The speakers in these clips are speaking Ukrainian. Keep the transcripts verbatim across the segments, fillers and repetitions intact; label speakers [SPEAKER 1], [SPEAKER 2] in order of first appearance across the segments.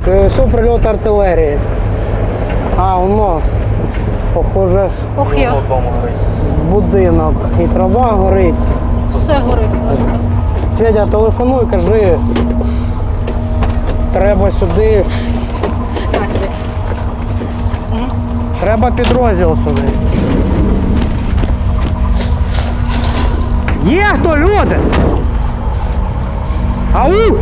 [SPEAKER 1] все прильот артилерії. А, воно, похоже,
[SPEAKER 2] Ох я.
[SPEAKER 1] будинок. І трава горить.
[SPEAKER 2] Все горить просто.
[SPEAKER 1] Федя, телефонуй, кажи. Треба сюди.
[SPEAKER 2] Давай сюди.
[SPEAKER 1] Треба підрозділ сюди. Є хто, люди? Ау!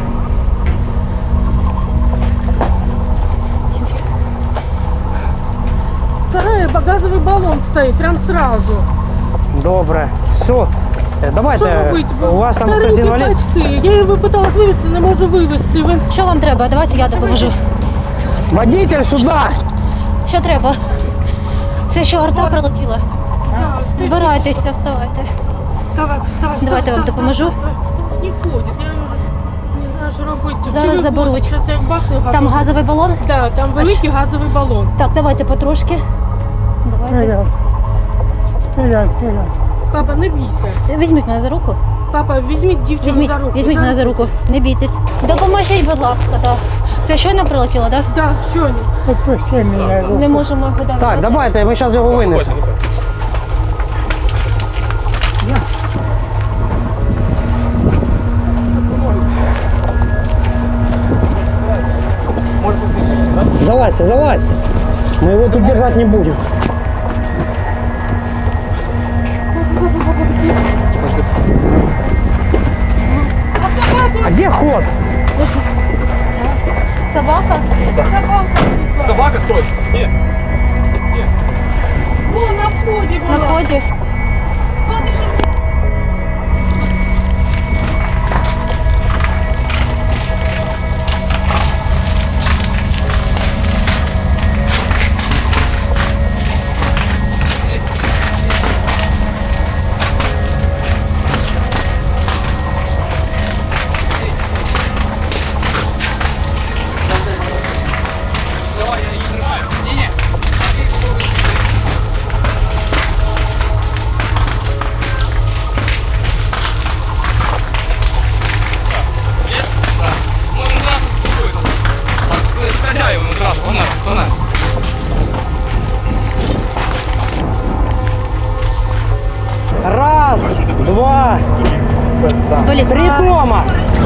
[SPEAKER 3] Второй газовый баллон стоит, прям сразу.
[SPEAKER 1] Добре. Все. Давайте,
[SPEAKER 3] Що робити?
[SPEAKER 1] у вас там хтось
[SPEAKER 3] Старенькі
[SPEAKER 1] інвалід?
[SPEAKER 3] батьки. Я його пыталась вивезти, не можу вивезти. Ви...
[SPEAKER 2] Що вам треба? Давайте я допоможу.
[SPEAKER 1] Водитель сюди!
[SPEAKER 2] Що треба? Це що, арта прилетіла? Збирайтеся, вставайте.
[SPEAKER 3] Давай, вставай,
[SPEAKER 2] Давайте я вам допоможу.
[SPEAKER 3] Не ходить, я вже не знаю, що робити.
[SPEAKER 2] Зараз
[SPEAKER 3] Чи
[SPEAKER 2] заберуть.
[SPEAKER 3] виходить? Щас як бахне газовий.
[SPEAKER 2] Там газовий балон?
[SPEAKER 3] Да, там великий газовий балон.
[SPEAKER 2] Так, давайте потрошки. Давайте.
[SPEAKER 3] Папа, не бійся.
[SPEAKER 2] Візьміть мене за руку.
[SPEAKER 3] Папа, візьміть дівчину
[SPEAKER 2] Візьміть,
[SPEAKER 3] за руку.
[SPEAKER 2] візьміть мене за руку. Не бійтесь. Допоможіть, будь ласка, так. Це щойно прилетіло, так?
[SPEAKER 3] Так, що ні?
[SPEAKER 4] Отпусти меня.
[SPEAKER 2] Не можемо його давати.
[SPEAKER 1] Так, давайте, ми зараз його винесемо. Залазьте, залазьте. Мы его тут держать не будем. А где ход?
[SPEAKER 2] Собака?
[SPEAKER 5] Собака, стой! Нет.
[SPEAKER 3] Вон на вході
[SPEAKER 2] На
[SPEAKER 3] була.
[SPEAKER 2] вході.
[SPEAKER 3] Смотри, що
[SPEAKER 5] Хозяевам сразу, у нас, у нас.
[SPEAKER 1] Раз, два,
[SPEAKER 2] Блін,
[SPEAKER 1] три
[SPEAKER 2] а,
[SPEAKER 1] дома.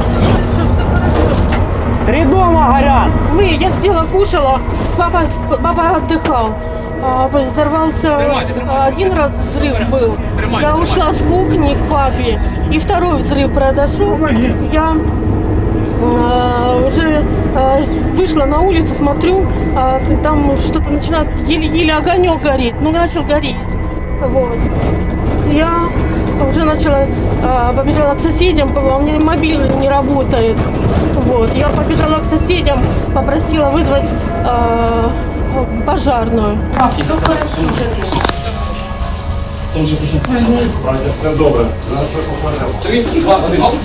[SPEAKER 1] Три дома горят.
[SPEAKER 3] мы, я сидела, кушала, папа, папа отдыхал. А, Взорвался,
[SPEAKER 5] Тримайте, тримайте.
[SPEAKER 3] а, один раз взрыв был.
[SPEAKER 5] Тримайте,
[SPEAKER 3] Я
[SPEAKER 5] тримайте.
[SPEAKER 3] ушла с кухни к папе, и второй взрыв произошел. Я а, уже а, вышла на улицу, смотрю, а, там что-то начинает, еле-еле огонек горит, ну начал гореть. Вот. Я уже начала, а, побежала к соседям, у меня мобильный не работает. Вот. Я побежала к соседям, попросила вызвать а, пожарную.
[SPEAKER 6] Це добре.
[SPEAKER 5] Три, два, один. Оп.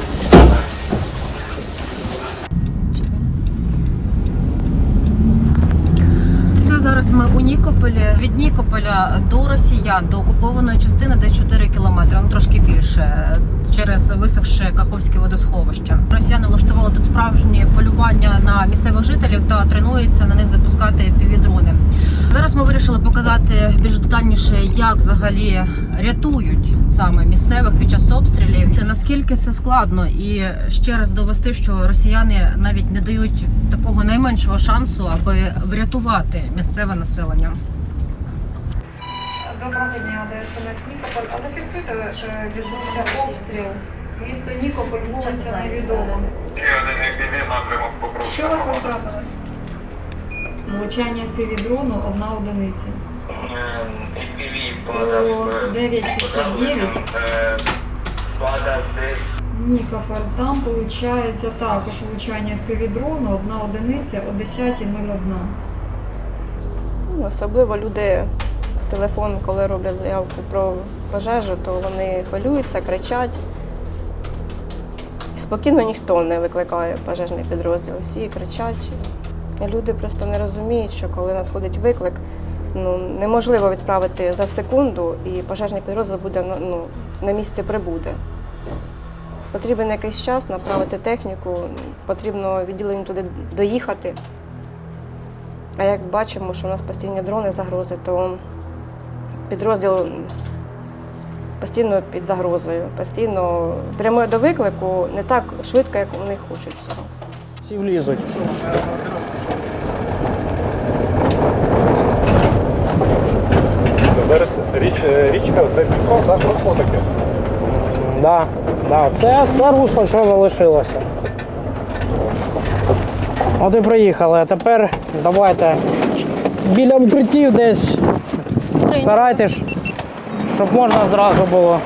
[SPEAKER 2] Це зараз ми у Нікополі. Від Нікополя до росіян, до окупованої частини десь чотири кілометри, ну трошки більше, через висохше Каховське водосховище. Росіяни влаштували тут справжні полювання на місцевих жителів та тренуються на них запускати півдрони. Зараз ми вирішили показати більш детальніше, як взагалі рятують саме місцевих під час обстрілів. Та наскільки це складно, і ще раз довести, що росіяни навіть не дають такого найменшого шансу, аби врятувати місцеве населення.
[SPEAKER 7] Доброго дня, ДСНС Нікополь. А зафіксуйте, що відбувся обстріл. Місто Нікополь, вулиця невідома. Що у вас там трапилось?
[SPEAKER 8] Влучання півдрону одна одиниця. О дев'ять п'ятдесят дев'ять. Нікополь. Там виходить також влучання півдрону одна одиниця о десята нуль одна.
[SPEAKER 9] Особливо люди в телефон, коли роблять заявку про пожежу, то вони хвилюються, кричать. Спокійно ніхто не викликає пожежний підрозділ. Всі кричать. Люди просто не розуміють, що коли надходить виклик, ну, неможливо відправити за секунду, і пожежний підрозділ буде, ну, на місці прибуде. Потрібен якийсь час направити техніку, потрібно відділенню туди доїхати. А як бачимо, що у нас постійні дрони, загрози, то підрозділ постійно під загрозою, постійно прямує до виклику не так швидко, як вони хочуть цього.
[SPEAKER 1] Всі влізуть.
[SPEAKER 4] Зараз річ, річка, це Дніпро, так, русло таке.
[SPEAKER 1] Да, да. Це, це русло, що залишилося. От і приїхали, а тепер давайте біля укриттів десь старайтесь, щоб можна зразу було.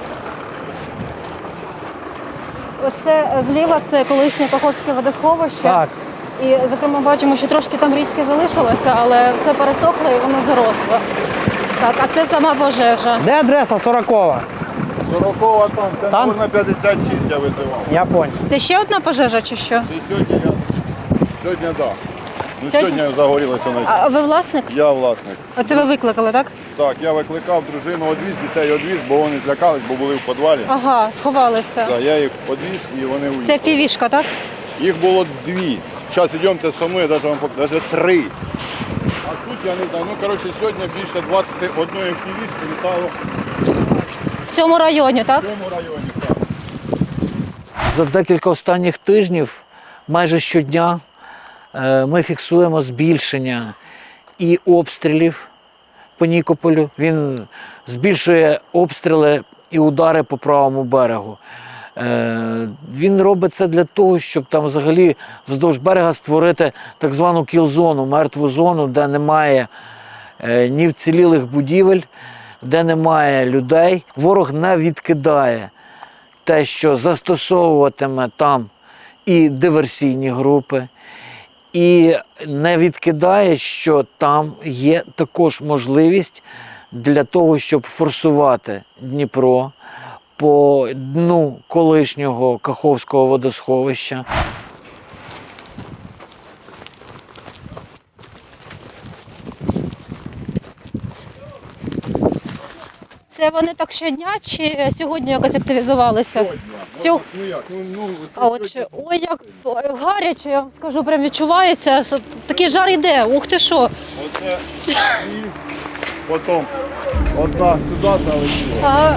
[SPEAKER 2] Оце зліва це колишнє Каховське водосховище.
[SPEAKER 1] Так.
[SPEAKER 2] І, зокрема, бачимо, що трошки там річки залишилося, але все пересохло і воно заросло. Так, а це сама пожежа.
[SPEAKER 1] Де адреса сорокова?
[SPEAKER 6] сорокова там, це
[SPEAKER 1] Там?
[SPEAKER 6] на п'ятдесят шість я визивав.
[SPEAKER 1] Я понял.
[SPEAKER 2] Це ще одна пожежа чи що?
[SPEAKER 6] І сьогодні я, сьогодні так. Да. Ну,
[SPEAKER 2] Сьогодні?
[SPEAKER 6] сьогодні загорілося на
[SPEAKER 2] А ви власник?
[SPEAKER 6] Я власник.
[SPEAKER 2] Оце ви викликали, так?
[SPEAKER 6] Так, я викликав дружину, одвіз, дітей одвіз, бо вони злякались, бо були в підвалі.
[SPEAKER 2] Ага, сховалися.
[SPEAKER 6] Так, я їх одвіз і вони
[SPEAKER 2] Це
[SPEAKER 6] уїхали.
[SPEAKER 2] півішка, так?
[SPEAKER 6] Їх було дві. Зараз йдемте со мною, навіть вам покажу, навіть три. А тут я не знаю. Ну, коротше, сьогодні більше двадцять одної півішки літало
[SPEAKER 2] В цьому районі, так?
[SPEAKER 6] в цьому районі. Так.
[SPEAKER 10] За декілька останніх тижнів майже щодня е, ми фіксуємо збільшення і обстрілів по Нікополю. Він збільшує обстріли і удари по правому берегу. Е, Він робить це для того, щоб там взагалі вздовж берега створити так звану кіл-зону, мертву зону, де немає е, ні вцілілих будівель, де немає людей. Ворог не відкидає те, що застосовуватиме там і диверсійні групи, і не відкидає, що там є також можливість для того, щоб форсувати Дніпро по дну колишнього Каховського водосховища.
[SPEAKER 2] Це вони так щодня чи сьогодні якось активізувалися? Сьогодні.
[SPEAKER 6] Ну як, ну, ну,
[SPEAKER 2] А от ще, ой, як гаряче, я вам скажу, прям відчувається, що такий жар йде. Ух ти що.
[SPEAKER 6] Оце і потім одна сюди залетіла.
[SPEAKER 2] А,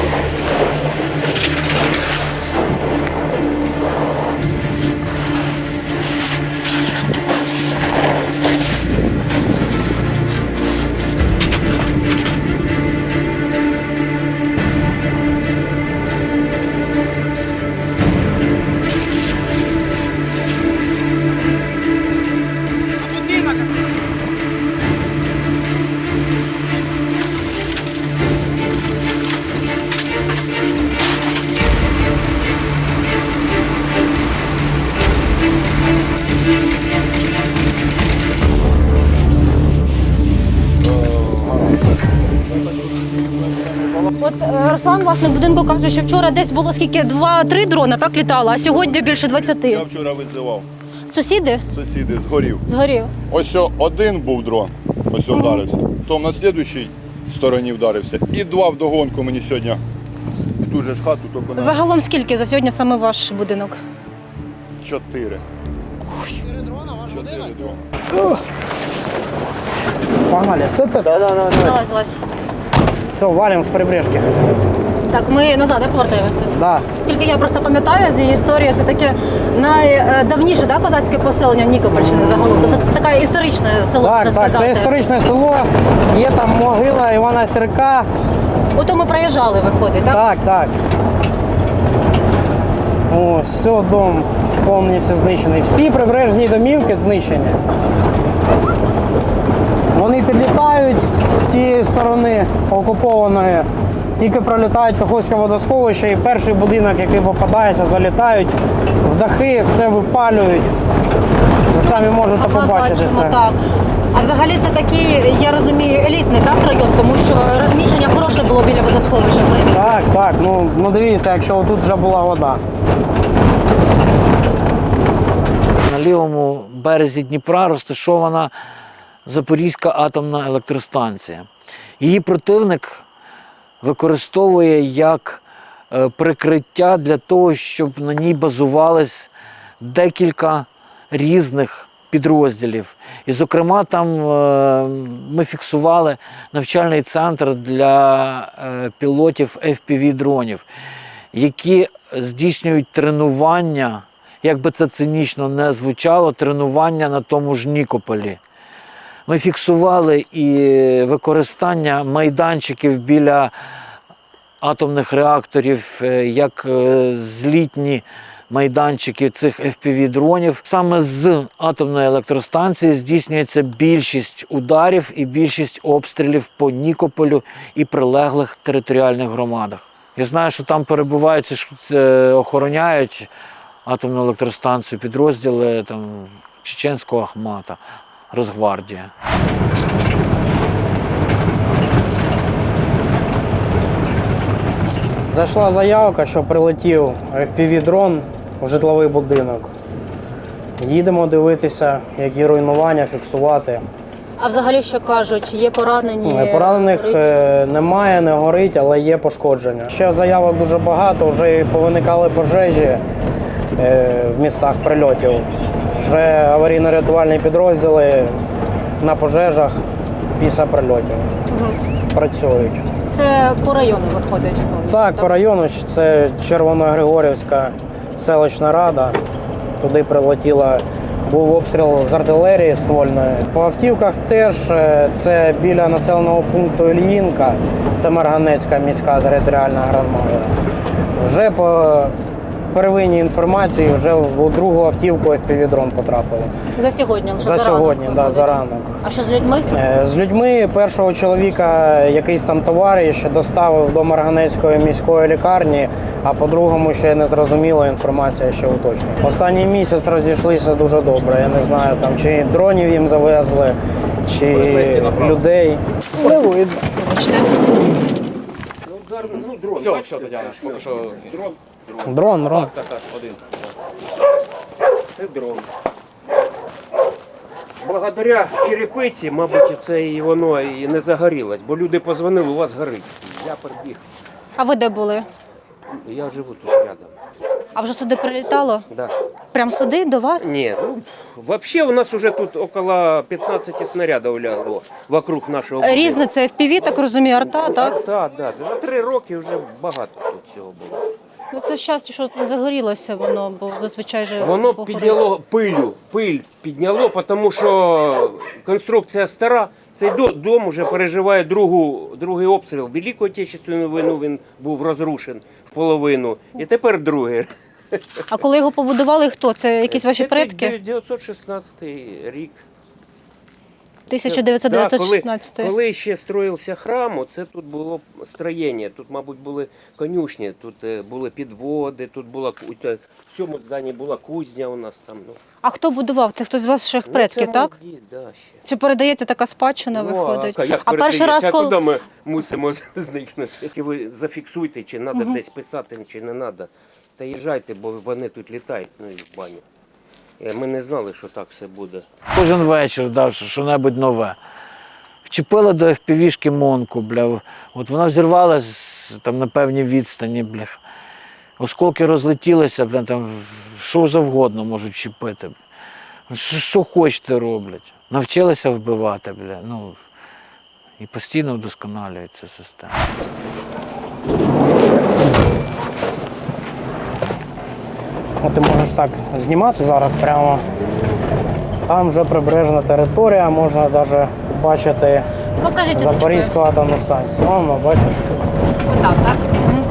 [SPEAKER 2] От е, Руслан, власник будинку, каже, що вчора десь було скільки, два-три дрона, так літало, а сьогодні більше двадцяти.
[SPEAKER 6] Я вчора визивав.
[SPEAKER 2] Сусіди?
[SPEAKER 6] Сусіди згорів.
[SPEAKER 2] Згорів.
[SPEAKER 6] Ось о- один був дрон, ось о вдарився. Потім на слідуючій стороні вдарився. І два вдогонку мені сьогодні. Дуже ж хату, тільки на
[SPEAKER 2] Загалом скільки за сьогодні саме ваш будинок?
[SPEAKER 6] чотири. Чотири дрона.
[SPEAKER 1] Погнали. Хто це? Да, да, да, да.
[SPEAKER 2] Залазилась.
[SPEAKER 1] Все, валим з прибережки.
[SPEAKER 2] Так, ми назад да, повертаємося.
[SPEAKER 1] Да.
[SPEAKER 2] Тільки я просто пам'ятаю з її історії, це таке найдавніше да, козацьке поселення Нікопольщини загалом. Тобто це таке історичне село,
[SPEAKER 1] Так,
[SPEAKER 2] можна
[SPEAKER 1] так,
[SPEAKER 2] сказати.
[SPEAKER 1] це історичне село, є там могила Івана Сірка.
[SPEAKER 2] Ото ми проїжджали, виходить, так?
[SPEAKER 1] Так, так. Ось, все, дом повністю знищений. Всі прибережні домівки знищені. Вони підлітають з тієї сторони окупованої, тільки пролітають Каховське водосховище і перший будинок, який попадається, залітають в дахи, все випалюють. Ви самі можете
[SPEAKER 2] Ага,
[SPEAKER 1] побачити
[SPEAKER 2] бачимо,
[SPEAKER 1] це.
[SPEAKER 2] так. А взагалі це такий, я розумію, елітний так, район, тому що розміщення хороше було біля водосховища. в принципі.
[SPEAKER 1] Так, так, ну, ну дивіться, якщо тут вже була вода.
[SPEAKER 10] На лівому березі Дніпра розташована Запорізька атомна електростанція. Її противник використовує як е, прикриття для того, щоб на ній базувались декілька різних підрозділів. І, зокрема, там е, ми фіксували навчальний центр для е, пілотів еф пі ві-дронів, які здійснюють тренування, як би це цинічно не звучало, тренування на тому ж Нікополі. Ми фіксували і використання майданчиків біля атомних реакторів, як злітні майданчики цих еф пі ві-дронів. Саме з атомної електростанції здійснюється більшість ударів і більшість обстрілів по Нікополю і прилеглих територіальних громадах. Я знаю, що там перебувають, охороняють атомну електростанцію підрозділи там, чеченського Ахмата, Росгвардія.
[SPEAKER 1] Зайшла заявка, що прилетів еф пі ві-дрон у житловий будинок. Їдемо дивитися, які руйнування, фіксувати.
[SPEAKER 2] А взагалі, що кажуть, є поранені?
[SPEAKER 1] Поранених е, немає, не горить, але є пошкодження. Ще заявок дуже багато, вже і повиникали пожежі е, в містах прильотів. Вже аварійно-рятувальні підрозділи на пожежах після прильотів угу. працюють.
[SPEAKER 2] Це по району виходить?
[SPEAKER 1] Так, по району. Це Червоногригорівська селищна рада. Туди прилетіла, був обстріл з артилерії ствольної. По автівках теж це біля населеного пункту Ільїнка, це Марганецька міська територіальна громада. Вже по первинній інформації вже в другу автівку еф пі ві-дрон потрапили.
[SPEAKER 2] За сьогодні?
[SPEAKER 1] За, за сьогодні, так, да, за ранок.
[SPEAKER 2] А що з людьми?
[SPEAKER 1] З людьми першого чоловіка якийсь там товариш доставив до Марганецької міської лікарні, а по-другому ще не зрозуміла інформація, ще уточнює. Останній місяць розійшлися дуже добре. Я не знаю, там чи дронів їм завезли, чи людей. Не видно.
[SPEAKER 5] Все, все, Тетяна, поки що дрон.
[SPEAKER 1] Дрон, дрон.
[SPEAKER 5] Так, так, так, один.
[SPEAKER 11] Це дрон. Благодаря черепиці, мабуть, це і воно і не загорілось, бо люди позвонили, у вас горить. Я прибіг.
[SPEAKER 2] А ви де були?
[SPEAKER 11] Я живу тут рядом.
[SPEAKER 2] А вже сюди прилітало?
[SPEAKER 11] Да.
[SPEAKER 2] Прям сюди, до вас?
[SPEAKER 11] Ні, ну, взагалі у нас вже тут около п'ятнадцять снарядів лягло вокруг нашого будинку.
[SPEAKER 2] Різне, це еф пі ві, так розумію, арта, так?
[SPEAKER 11] Арта, так. За три роки вже багато тут цього було.
[SPEAKER 2] Ну це щастя, що не загорілося воно, бо зазвичай же...
[SPEAKER 11] Воно підняло пилю, пиль підняло, тому що конструкція стара. Цей дом вже переживає другу, другий обстріл. Велику Отечественну війну він був розрушений в половину. І тепер другий.
[SPEAKER 2] А коли його побудували, хто? Це якісь ваші предки?
[SPEAKER 11] дев'ятсот шістнадцятий рік.
[SPEAKER 2] тисяча дев'ятсот шістнадцятий.
[SPEAKER 11] Коли, коли ще строївся храм, це тут було строєння. Тут, мабуть, були конюшні, тут були підводи, тут була в цьому зданні була кузня у нас там. Ну.
[SPEAKER 2] А хто будував? Це хтось з ваших предків,
[SPEAKER 11] ну,
[SPEAKER 2] так?
[SPEAKER 11] Дід, да, ще.
[SPEAKER 2] Чи передається така спадщина,
[SPEAKER 11] ну,
[SPEAKER 2] виходить?
[SPEAKER 11] А, як
[SPEAKER 2] а перший раз,
[SPEAKER 11] а
[SPEAKER 2] коли...
[SPEAKER 11] куди ми мусимо зникнути? Тільки ви зафіксуйте, чи треба угу. десь писати, чи не треба. Та їжджайте, бо вони тут літають, ну і в баню. Ми не знали, що так все буде.
[SPEAKER 10] Кожен вечір дав що-небудь нове. Вчепили до еф пі ві-шки Монку, бля. От вона взірвалась там на певній відстані, бля. Осколки розлетілися, бля, там що завгодно можуть чіпити. Що, що хочете роблять. Навчилися вбивати, бля. Ну, і постійно вдосконалюють цю систему.
[SPEAKER 1] Ти можеш так знімати зараз прямо. Там вже прибережна територія, можна навіть бачити
[SPEAKER 2] Покажіть
[SPEAKER 1] Запорізьку атомну станцію. Воно, бачиш?
[SPEAKER 2] Отак, так? Угу.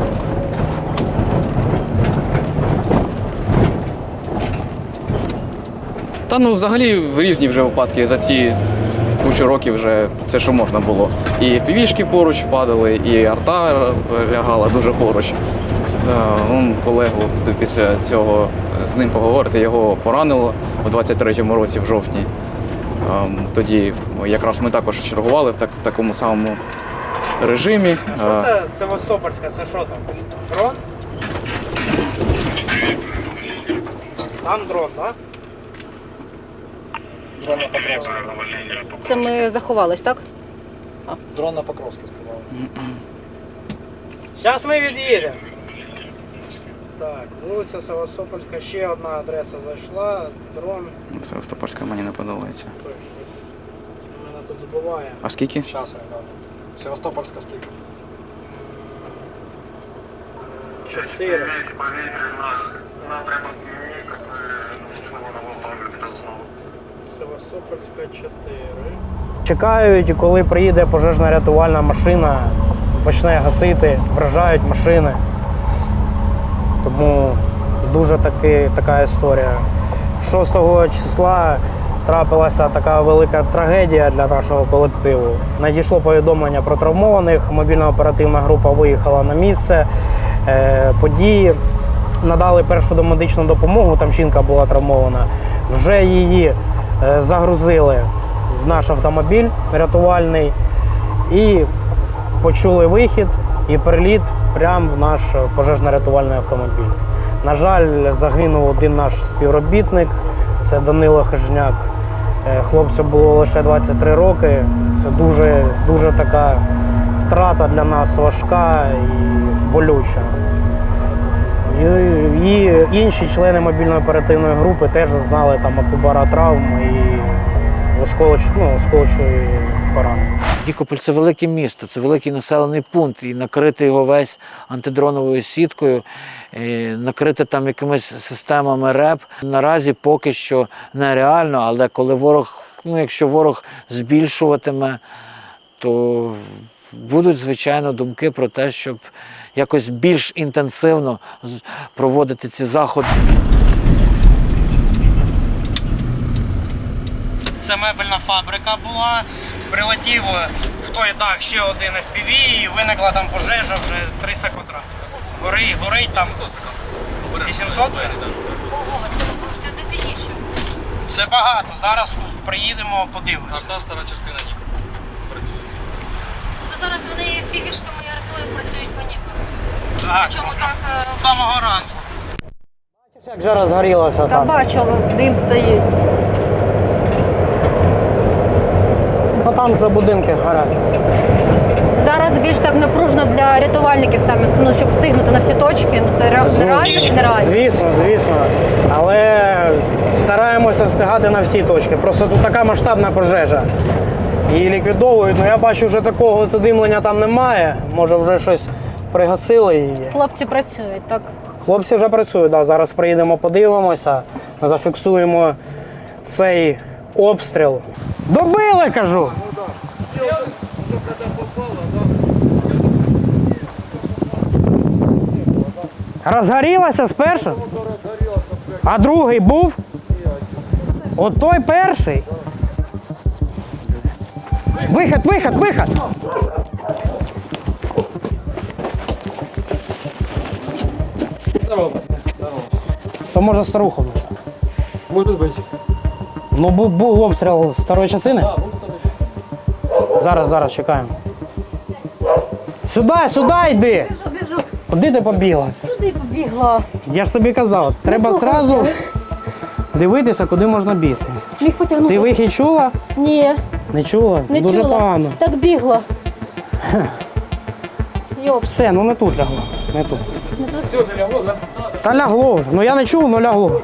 [SPEAKER 5] Та ну взагалі різні вже випадки за ці кучу років вже все, що можна було. І еф пі ві-шки поруч падали, і арта лягала дуже поруч. Он колегу після цього з ним поговорити, його поранило у двадцять третьому році в жовтні. Тоді якраз ми також чергували в, так, в такому самому режимі.
[SPEAKER 1] Що це Севастопольська? Це що там? Дрон? Там дрон, так?
[SPEAKER 12] Дрон на Покровську.
[SPEAKER 2] Це ми заховались, так?
[SPEAKER 12] Дрон на Покровську сказали.
[SPEAKER 1] Зараз ми від'їдемо. Так, вулиця Севастопольська, ще одна адреса зайшла, дрон.
[SPEAKER 5] Севастопольська мені не подобається.
[SPEAKER 1] Мене тут збиває.
[SPEAKER 5] А скільки?
[SPEAKER 4] Зараз я гляну. Севастопольська скільки?
[SPEAKER 1] Чотири. Севастопольська чотири. Чекають, коли приїде пожежна рятувальна машина, почне гасити, вражають машини. Тому дуже таки, така історія. шостого числа трапилася така велика трагедія для нашого колективу. Надійшло повідомлення про травмованих, мобільна оперативна група виїхала на місце е, події, надали першу домедичну допомогу, там жінка була травмована. Вже її е, загрузили в наш автомобіль рятувальний і почули вихід і приліт прямо в наш пожежно-рятувальний автомобіль. На жаль, загинув один наш співробітник, це Данило Хижняк. Хлопцю було лише двадцять три роки. Це дуже, дуже така втрата для нас важка і болюча. І, і інші члени мобільної оперативної групи теж зазнали там от удара травм і осколоч, ну, осколочної поранення.
[SPEAKER 10] Нікополь – це велике місто, це великий населений пункт, і накрити його весь антидроновою сіткою, і накрити там якимись системами РЕП наразі поки що нереально, але коли ворог, ну якщо ворог збільшуватиме, то будуть, звичайно, думки про те, щоб якось більш інтенсивно проводити ці заходи.
[SPEAKER 1] Це мебельна фабрика була. Прилетів в той дах ще один еф пі ві і виникла там пожежа вже триста квадратів. Горить, горить там вісімсот вже?
[SPEAKER 2] Ого, це, це дефініше.
[SPEAKER 1] Це багато. Зараз приїдемо, подивимося.
[SPEAKER 5] А та стара частина Нікополя працює.
[SPEAKER 2] Ну зараз вони в півішками і артою працюють по Нікополю.
[SPEAKER 1] Так,
[SPEAKER 2] Причому так... е,
[SPEAKER 1] з самого ранку. Бачиш, як вже розгорілося
[SPEAKER 2] Та
[SPEAKER 1] там?
[SPEAKER 2] бачу, дим стоїть.
[SPEAKER 1] Ну там вже будинки горять.
[SPEAKER 2] Зараз більш так напружено для рятувальників саме, ну, щоб встигнути на всі точки. Ну, це ре- реально чи нереально?
[SPEAKER 1] Звісно, звісно. Але стараємося встигати на всі точки. Просто тут така масштабна пожежа. Її ліквідовують. Ну я бачу, вже такого задимлення там немає. Може вже щось пригасили її.
[SPEAKER 2] Хлопці працюють, так?
[SPEAKER 1] Хлопці вже працюють, да. Зараз приїдемо, подивимося, зафіксуємо цей обстріл. Добили, кажу! Розгорілася спершу? А другий був? От той перший? Вихід, вихід, вихід! То може старуху?
[SPEAKER 11] Може бути.
[SPEAKER 1] Ну був, був обстріл старої частини? Зараз, зараз чекаємо. Сюди, сюди йди!
[SPEAKER 2] Біжу, біжу.
[SPEAKER 1] Куди ти побігла?
[SPEAKER 2] Туди побігла.
[SPEAKER 1] Я ж тобі казав, треба
[SPEAKER 2] слухайте.
[SPEAKER 1] одразу дивитися, куди можна бігти.
[SPEAKER 2] Міг потягнути.
[SPEAKER 1] Ти вихід чула?
[SPEAKER 2] Ні,
[SPEAKER 1] Не чула?
[SPEAKER 2] не
[SPEAKER 1] Дуже
[SPEAKER 2] чула.
[SPEAKER 1] погано.
[SPEAKER 2] Так бігла. Йоп.
[SPEAKER 1] Все, ну не тут лягло. Не тут. Та лягло вже. Ну я не чув, але лягло.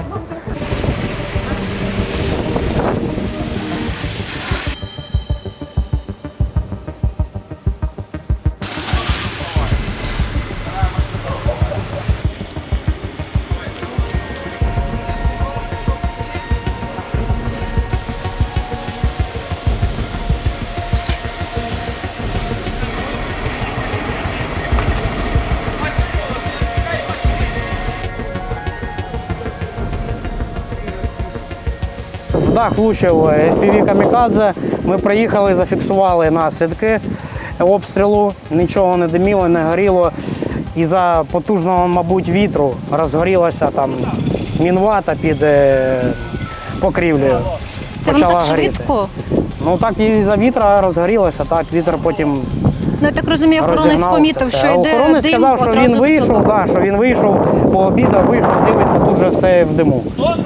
[SPEAKER 1] В дах влучив еф пі ві «Камікадзе». Ми приїхали, зафіксували наслідки обстрілу. Нічого не диміло, не горіло. І за потужного, мабуть, вітру розгорілася там мінвата під е, покрівлею.
[SPEAKER 2] Це воно так швидко?
[SPEAKER 1] Ну так і за вітра розгорілося, так вітер потім
[SPEAKER 2] Ну я так розумію, охоронець
[SPEAKER 1] розігнався
[SPEAKER 2] помітив,
[SPEAKER 1] це.
[SPEAKER 2] що
[SPEAKER 1] А
[SPEAKER 2] йде
[SPEAKER 1] охоронець
[SPEAKER 2] дим,
[SPEAKER 1] сказав, що
[SPEAKER 2] одразу
[SPEAKER 1] він вийшов,
[SPEAKER 2] туди.
[SPEAKER 1] да, що він вийшов, пообідав, вийшов, дивиться, тут вже все в диму.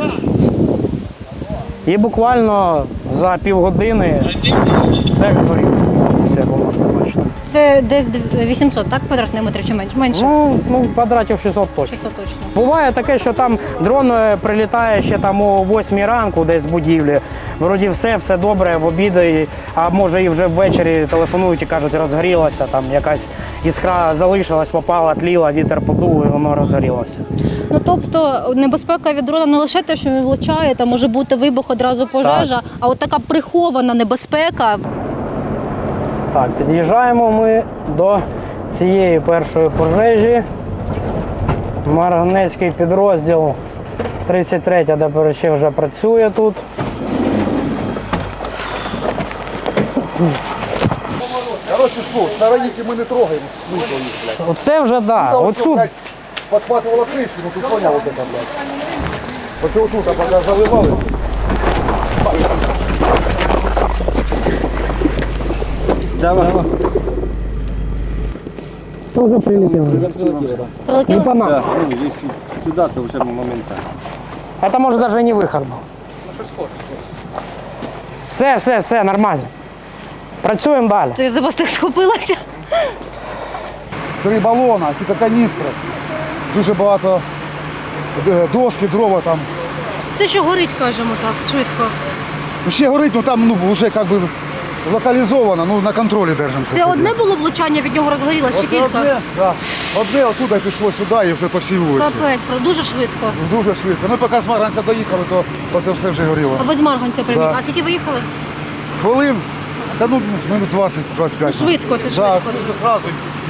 [SPEAKER 1] І буквально за півгодини все згоріло, як ви можете бачити. точно.
[SPEAKER 2] Це десь вісімсот, так, квадратних метрів чи менше? Менше?
[SPEAKER 1] Ну, ну квадратів шістсот точно.
[SPEAKER 2] шістсот точно.
[SPEAKER 1] Буває таке, що там дрон е, прилітає ще там о восьмій ранку десь з будівлі. Вроді все, все добре, в обіди, а може і вже ввечері телефонують і кажуть, розгорілося, там якась іскра залишилась, попала, тліла, вітер подув і воно розгорілося.
[SPEAKER 2] Ну тобто небезпека від дрона не лише те, що він влучає, там може бути вибух, одразу пожежа, а от така прихована небезпека.
[SPEAKER 1] Так, під'їжджаємо ми до цієї першої пожежі. Марганецький підрозділ тридцять третя ДПРЧ вже працює тут.
[SPEAKER 4] Короче, что, сторонники мы не трогаем.
[SPEAKER 1] Оце вже, так. Да. Оцю...
[SPEAKER 4] Подхватывала крышу, ну ты понял вот это, блядь. Вот вот тут, а пока заливали.
[SPEAKER 1] Давай. Тоже прилетело. Не по нам.
[SPEAKER 4] Да, ну, если сюда, то уже моментально.
[SPEAKER 1] Это может даже и не выход был. Все, все, все, нормально. Працюємо далі.
[SPEAKER 2] То я за вас так схопилася.
[SPEAKER 4] Три балона, якісь каністри. Дуже багато е, доски, дрова там.
[SPEAKER 2] Все, що горить, кажемо так, швидко.
[SPEAKER 4] Ну, ще горить, ну там ну, вже як би локалізовано, ну на контролі держимося.
[SPEAKER 2] Це одне було влучання, від нього розгорілося, чи
[SPEAKER 4] Оце
[SPEAKER 2] кілька?
[SPEAKER 4] Одне, да. Одне оттуда пішло сюди і вже по всій вулиці.
[SPEAKER 2] Капець, правда, дуже швидко.
[SPEAKER 4] Дуже швидко. Ну, поки з Марганця доїхали, то, то це все вже горіло.
[SPEAKER 2] А ви з Марганця прибіг.
[SPEAKER 4] Да.
[SPEAKER 2] А скільки ви їхали?
[SPEAKER 4] Хвилин, та ну минут двадцять-двадцять п'ять.
[SPEAKER 2] Ну, швидко, це
[SPEAKER 4] Да,
[SPEAKER 2] швидко.
[SPEAKER 4] швидко зразу.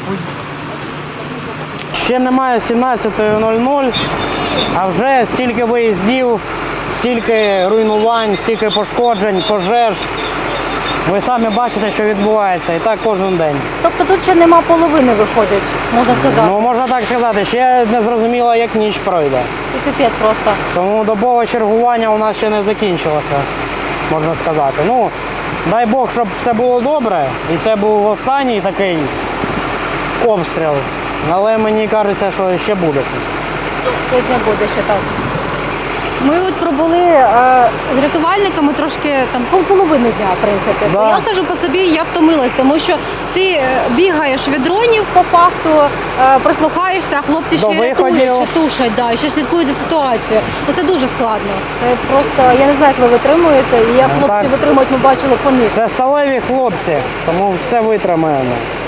[SPEAKER 1] Ще немає сімнадцятої нуль нуль, а вже стільки виїздів, стільки руйнувань, стільки пошкоджень, пожеж. Ви самі бачите, що відбувається, і так кожен день.
[SPEAKER 2] Тобто тут ще нема половини виходить, можна сказати.
[SPEAKER 1] Ну, можна так сказати, ще не зрозуміло, як ніч пройде.
[SPEAKER 2] І піпець просто.
[SPEAKER 1] Тому добове чергування у нас ще не закінчилося, можна сказати. Ну, дай Бог, щоб все було добре, і це був останній такий обстріл. Але мені кажеться, що ще буде щось.
[SPEAKER 2] Сьогодні буде ще так. Ми от пробули е, з рятувальниками трошки там пол- половину дня, в принципі.
[SPEAKER 1] Да.
[SPEAKER 2] Я кажу по собі, я втомилась, тому що ти е, бігаєш від дронів по факту, е, прислухаєшся, а хлопці
[SPEAKER 1] До
[SPEAKER 2] ще й рятують,
[SPEAKER 1] виходів.
[SPEAKER 2] ще тушать, да, і ще слідкують за ситуацією. Ну це дуже складно. Це просто, я не знаю, як ви витримуєте, і як
[SPEAKER 1] Ну,
[SPEAKER 2] хлопці
[SPEAKER 1] так.
[SPEAKER 2] витримують, ми бачили по них.
[SPEAKER 1] Це сталеві хлопці, тому все витримаємо.